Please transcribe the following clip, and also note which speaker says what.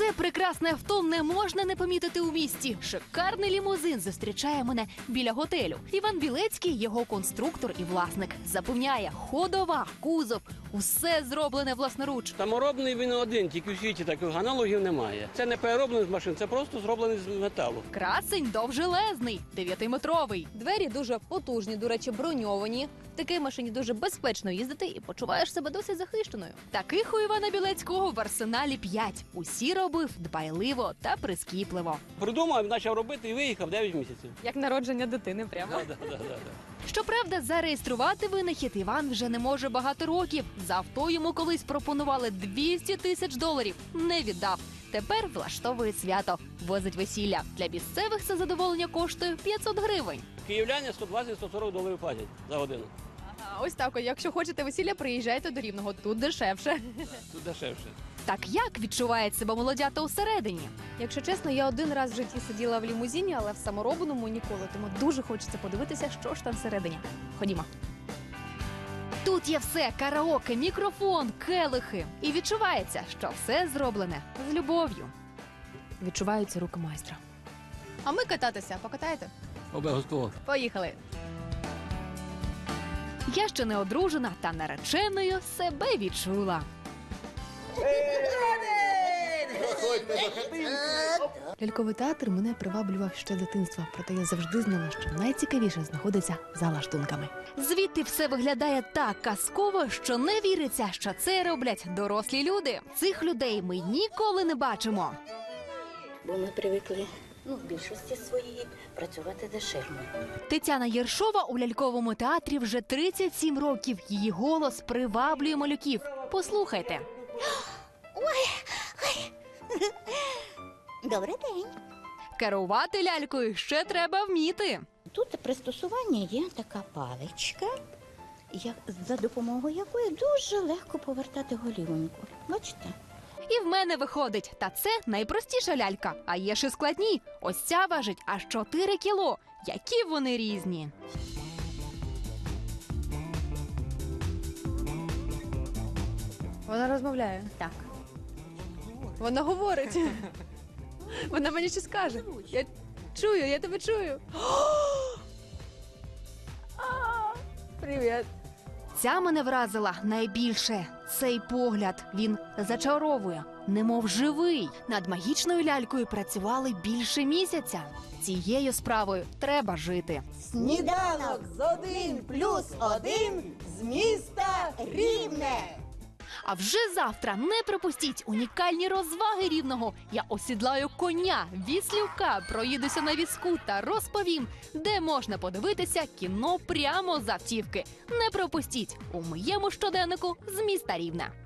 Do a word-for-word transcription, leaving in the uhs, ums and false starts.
Speaker 1: Це прекрасне авто не можна не помітити у місті. Шикарний лімузин зустрічає мене біля готелю. Іван Білецький, його конструктор і власник, запевняє, ходова, кузов – усе зроблене власноруч.
Speaker 2: Саморобний він один, тільки в світі таких аналогів немає. Це не перероблений з машин, це просто зроблений з металу.
Speaker 1: Красень довжелезний, дев'ятиметровий.
Speaker 3: Двері дуже потужні, до речі, броньовані. В такій машині дуже безпечно їздити і почуваєш себе досить захищеною.
Speaker 1: Таких у Івана Білецького в арсеналі п'ять. Усі робив дбайливо та прискіпливо.
Speaker 2: Придумав, почав робити і виїхав дев'ять місяців.
Speaker 3: Як народження дитини прямо.
Speaker 2: Да, да, да, да.
Speaker 1: Щоправда, зареєструвати винахід Іван вже не може багато років. За авто йому колись пропонували двісті тисяч доларів. Не віддав. Тепер влаштовує свято. Возить весілля. Для місцевих це задоволення коштує п'ятсот гривень.
Speaker 2: Київляни сто двадцять - сто сорок доларів платять за годину.
Speaker 3: Ага, ось так, якщо хочете весілля, приїжджайте до Рівного, тут дешевше.
Speaker 2: Тут дешевше.
Speaker 1: Так як відчувають себе молодята усередині?
Speaker 3: Якщо чесно, я один раз в житті сиділа в лімузині, але в саморобному ніколи, тому дуже хочеться подивитися, що ж там всередині. Ходімо.
Speaker 1: Тут є все – караоке, мікрофон, келихи. І відчувається, що все зроблене з любов'ю.
Speaker 3: Відчуваються руки майстра. А ми кататися, покатаєте?
Speaker 2: Обов'язково.
Speaker 3: Поїхали.
Speaker 1: Я ще не одружена, та нареченою себе відчула.
Speaker 3: Ляльковий театр мене приваблював ще з дитинства, проте я завжди знала, що найцікавіше знаходиться за лаштунками.
Speaker 1: Звідти все виглядає так казково, що не віриться, що це роблять дорослі люди. Цих людей ми ніколи не бачимо.
Speaker 4: Бо ми привикли, ну, в більшості своїй працювати дешевно.
Speaker 1: Тетяна Єршова у ляльковому театрі вже тридцять сім років. Її голос приваблює малюків. Послухайте.
Speaker 4: Добрий день.
Speaker 1: Керувати лялькою ще треба вміти.
Speaker 4: Тут пристосування є така паличка, як, за допомогою якої дуже легко повертати голівоньку. Бачите?
Speaker 1: І в мене виходить. Та це найпростіша лялька. А є ще складні. Ось ця важить аж чотири кіло. Які вони різні.
Speaker 3: Вона розмовляє.
Speaker 4: Так.
Speaker 3: Вона говорить. Вона мені щось скаже. Я чую, я тебе чую. Привіт.
Speaker 1: Ця мене вразила найбільше. Цей погляд, він зачаровує, немов живий. Над магічною лялькою працювали більше місяця. Цією справою треба жити.
Speaker 5: Сніданок з один плюс один з міста Рівне.
Speaker 1: А вже завтра не пропустіть унікальні розваги Рівного. Я осідлаю коня, віслюка, проїдуся на візку та розповім, де можна подивитися кіно прямо з автівки. Не пропустіть у моєму щоденнику з міста Рівне.